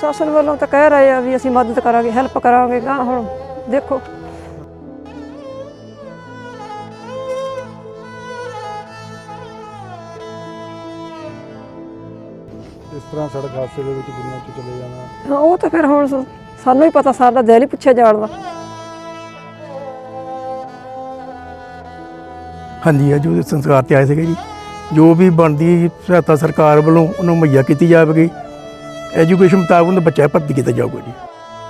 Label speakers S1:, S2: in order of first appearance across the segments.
S1: प्रशासन वालों तो कह रहे हैं भी असीं मदद करांगे, हैल्प करांगे। गा हुण देखो
S2: इस तरह सड़क हादसे ਦੇ ਵਿੱਚ ਦੁਨੀਆ 'ਚ ਚਲੇ ਜਾਣਾ।
S1: हाँ वो तो फिर हुण सानूं ही पता, साडा दिल ही पुछे जाण दा।
S3: हाँ जी, अज वो संस्कार ते आए थे जी। जो भी बनती सहायता सरकार वालों उन्होंने मुहैया की जाएगी। एजुकेशन मुताबिक उन्हें बच्चा भर्ती किया जाऊगा जी।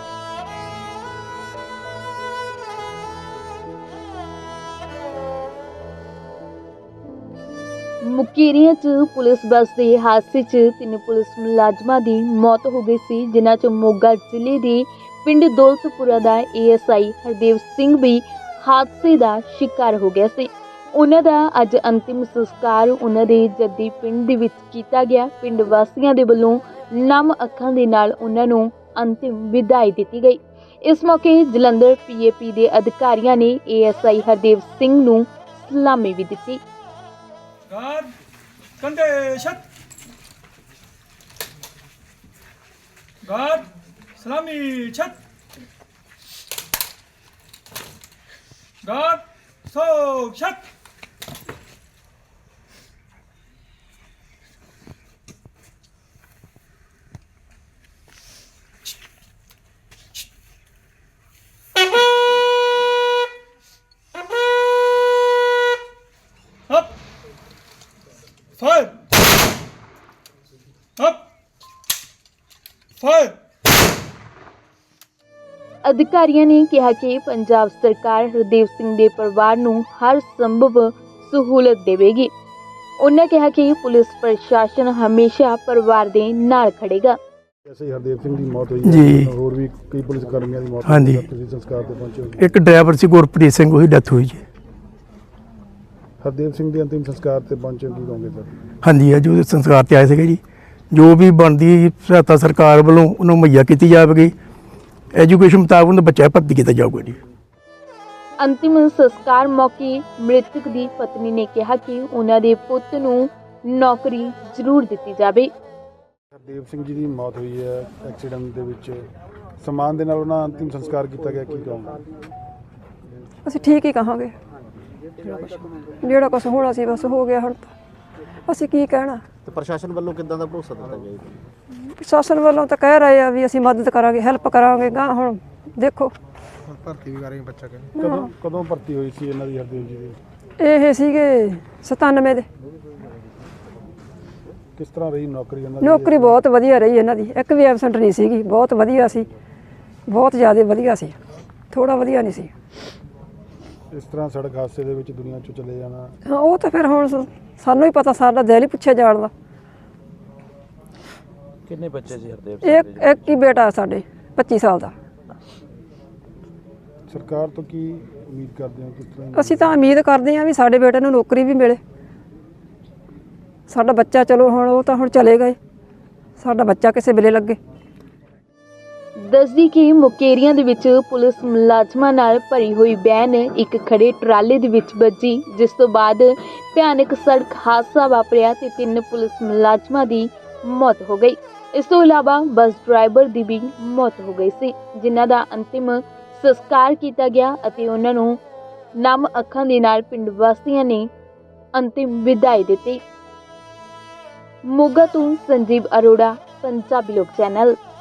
S4: ਮੁਕੇਰੀਆਂ 'ਚ ਪੁਲਿਸ ਬੱਸ ਦੇ ਹਾਦਸੇ 'ਚ 3 ਪੁਲਿਸ ਮੁਲਾਜ਼ਮਾਂ ਦੀ ਮੌਤ ਹੋ ਗਈ ਸੀ, ਜਿਨ੍ਹਾਂ 'ਚ ਮੋਗਾ ਜ਼ਿਲ੍ਹੇ ਦੇ ਪਿੰਡ ਦੌਲਤਪੁਰਾ ਦਾ ਏਐਸਆਈ ਹਰਦੇਵ ਸਿੰਘ ਵੀ ਹਾਦਸੇ ਦਾ ਸ਼ਿਕਾਰ ਹੋ ਗਿਆ ਸੀ। ਉਹਨਾਂ ਦਾ ਅੱਜ ਅੰਤਿਮ ਸੰਸਕਾਰ ਉਹਨਾਂ ਦੇ ਜੱਦੀ ਪਿੰਡ ਦੇ ਵਿੱਚ ਕੀਤਾ ਗਿਆ। ਪਿੰਡ ਵਾਸੀਆਂ ਦੇ ਵੱਲੋਂ ਨਮ ਅੱਖਾਂ ਦੇ ਨਾਲ ਉਹਨਾਂ ਨੂੰ ਅੰਤਿਮ ਵਿਦਾਈ ਦਿੱਤੀ ਗਈ। ਇਸ ਮੌਕੇ ਜਲੰਧਰ ਪੀਏਪੀ ਦੇ ਅਧਿਕਾਰੀਆਂ ਨੇ ਏਐਸਆਈ ਹਰਦੇਵ ਸਿੰਘ ਨੂੰ ਸਲਾਮੀ ਵੀ ਦਿੱਤੀ।
S5: God, कंधे शत। God, सलामी छत। God, सो शत। Up, fire, up, fire।
S4: ਅਧਿਕਾਰੀਆਂ ਨੇ ਕਿਹਾ ਕਿ ਪੰਜਾਬ ਸਰਕਾਰ ਹਰਦੇਵ ਸਿੰਘ ਦੇ ਪਰਿਵਾਰ ਨੂੰ ਹਰ ਸੰਭਵ ਸਹੂਲਤ ਦੇਵੇਗੀ। ਉਹਨਾਂ ਕਿਹਾ ਕਿ ਪੁਲਿਸ ਪ੍ਰਸ਼ਾਸਨ ਹਮੇਸ਼ਾ ਪਰਿਵਾਰ ਦੇ ਨਾਲ ਖੜੇਗਾ।
S2: जैसे ही हरदेव सिंह की मौत हुई
S3: जी।
S2: है और भी कई पुलिस कर्मियों की मौत
S3: हाँ
S2: हुई
S3: जी।
S2: है, तुसीं संस्कार ते पहुंचे हो।
S3: एक ड्राइवर से गुरप्रीत सिंह वही डेथ हुई जी।
S2: हरदेव सिंह के अंतिम संस्कार ते पहुंचे की कहोगे सर?
S3: हाँ जी, अज वो संस्कार ते आए थे जी। जो भी बनती सहायता सरकार वालों उन्होंने मुहैया की जाएगी। एजुकेशन मुताबिक उन्हें बच्चा भर्ती किया जाऊगा जी।
S4: ਅੰਤਿਮ ਸੰਸਕਾਰ ਮੌਕੇ ਮ੍ਰਿਤਕ ਦੀ ਪਤਨੀ ਨੇ ਕਿਹਾ ਕਿ ਉਹਨਾਂ ਦੇ ਪੁੱਤ ਨੂੰ ਨੌਕਰੀ ਜ਼ਰੂਰ ਦਿੱਤੀ ਜਾਵੇ।
S2: हरदेव सिंह जी की मौत हुई है एक्सीडेंट ਦੇ ਵਿੱਚ ਸਨਮਾਨ ਦੇ ਨਾਲ ਉਹਨਾਂ ਅੰਤਿਮ ਸੰਸਕਾਰ ਕੀਤਾ ਗਿਆ, ਕੀ ਕਹੋਗੇ?
S1: ਅਸੀਂ ਠੀਕ ਹੀ ਕਹਾਂਗੇ, ਜਿਹੜਾ ਕੁਛ ਹੋਣਾ ਸੀ ਬਸ ਹੋ ਗਿਆ। ਹੁਣ ਅਸੀਂ ਕੀ ਕਹਿਣਾ।
S6: ਤੇ ਪ੍ਰਸ਼ਾਸਨ ਵੱਲੋਂ ਕਿੱਦਾਂ ਦਾ ਭਰੋਸਾ ਦਿੱਤਾ ਗਿਆ ਜੀ?
S1: ਪ੍ਰਸ਼ਾਸਨ ਵੱਲੋਂ ਤਾਂ ਕਹਿ ਰਹੇ ਆ ਵੀ ਅਸੀਂ ਮਦਦ ਕਰਾਂਗੇ, ਹੈਲਪ ਕਰਾਂਗੇ। ਗਾ ਹੁਣ ਦੇਖੋ
S2: ਭਰਤੀ ਵੀ ਕਰਾਂਗੇ ਬੱਚਾ ਕਦੋਂ ਭਰਤੀ ਹੋਈ ਸੀ ਇਹਨਾਂ ਦੀ ਹਰਦੇਵ ਜੀ ਦੀ?
S1: ਇਹ ਸੀਗੇ 97 ਦੇ।
S2: ਕਿਸ ਤਰ੍ਹਾਂ ਰਹੀ ਨੌਕਰੀ ਇਹਨਾਂ ਦੀ?
S1: ਨੌਕਰੀ ਬਹੁਤ ਵਧੀਆ ਰਹੀ ਇਹਨਾਂ ਦੀ, ਇੱਕ ਵੀ ਐਬਸੈਂਟ ਨਹੀਂ ਸੀਗੀ। ਬਹੁਤ ਵਧੀਆ ਸੀ, ਬਹੁਤ ਜ਼ਿਆਦਾ ਵਧੀਆ ਸੀ, ਥੋੜਾ ਵਧੀਆ ਨਹੀਂ ਸੀ।
S2: ਇਸ ਤਰ੍ਹਾਂ ਸੜਕ ਹਾਦਸੇ ਦੇ ਵਿੱਚ ਦੁਨੀਆ 'ਚ ਚਲੇ ਜਾਣਾ।
S1: ਹਾਂ ਉਹ ਤਾਂ ਫਿਰ ਹੁਣ ਸਾਨੂੰ ਹੀ ਪਤਾ, ਸਾਡਾ ਦਿਲ ਹੀ ਪੁੱਛੇ ਜਾਣ ਦਾ।
S6: ਕਿੰਨੇ ਬੱਚੇ ਸੀ ਹਰਦੇਵ
S1: ਇੱਕ ਹੀ ਬੇਟਾ ਸਾਡੇ 25 ਸਾਲ ਦਾ।
S2: ਸਰਕਾਰ ਤੋਂ ਕੀ ਉਮੀਦ ਕਰਦੇ ਹੋ? ਕਿਸ ਤਰ੍ਹਾਂ
S1: ਅਸੀਂ ਤਾਂ ਉਮੀਦ ਕਰਦੇ ਹਾਂ ਵੀ ਸਾਡੇ ਬੇਟੇ ਨੂੰ ਨੌਕਰੀ ਵੀ ਮਿਲੇ। ਸਾਡਾ ਬੱਚਾ ਚਲੋ ਹੁਣ ਉਹ ਤਾਂ ਹੁਣ ਚਲੇ ਗਏ, ਸਾਡਾ ਬੱਚਾ ਕਿਸੇ ਵੇਲੇ ਲੱਗੇ।
S4: ਦੱਸਦੀ ਕਿ ਮੁਕੇਰੀਆਂ ਦੇ ਵਿੱਚ ਪੁਲਿਸ ਮੁਲਾਜ਼ਮਾਂ ਨਾਲ ਭਰੀ ਹੋਈ ਵੈਨ ਇੱਕ ਖੜੇ ਟਰਾਲੇ ਦੇ ਵਿੱਚ ਵੱਜੀ, ਜਿਸ ਤੋਂ ਬਾਅਦ ਭਿਆਨਕ ਸੜਕ ਹਾਦਸਾ ਵਾਪਰਿਆ ਤੇ 3 ਪੁਲਿਸ ਮੁਲਾਜ਼ਮਾਂ ਦੀ ਮੌਤ ਹੋ ਗਈ। ਇਸ ਤੋਂ ਇਲਾਵਾ ਬੱਸ ਡਰਾਈਵਰ ਦੀ ਵੀ ਮੌਤ ਹੋ ਗਈ ਸੀ, ਜਿਨ੍ਹਾਂ ਦਾ ਅੰਤਿਮ ਸੰਸਕਾਰ ਕੀਤਾ ਗਿਆ ਅਤੇ ਉਹਨਾਂ ਨੂੰ ਨਮ ਅੱਖਾਂ ਦੇ ਨਾਲ ਪਿੰਡ ਵਾਸੀਆਂ ਨੇ ਅੰਤਿਮ ਵਿਦਾਈ ਦਿੱਤੀ। ਮੋਗਾ ਤੋਂ ਸੰਜੀਵ ਅਰੋੜਾ, ਪੰਜਾਬੀ ਲੋਕ ਚੈਨਲ।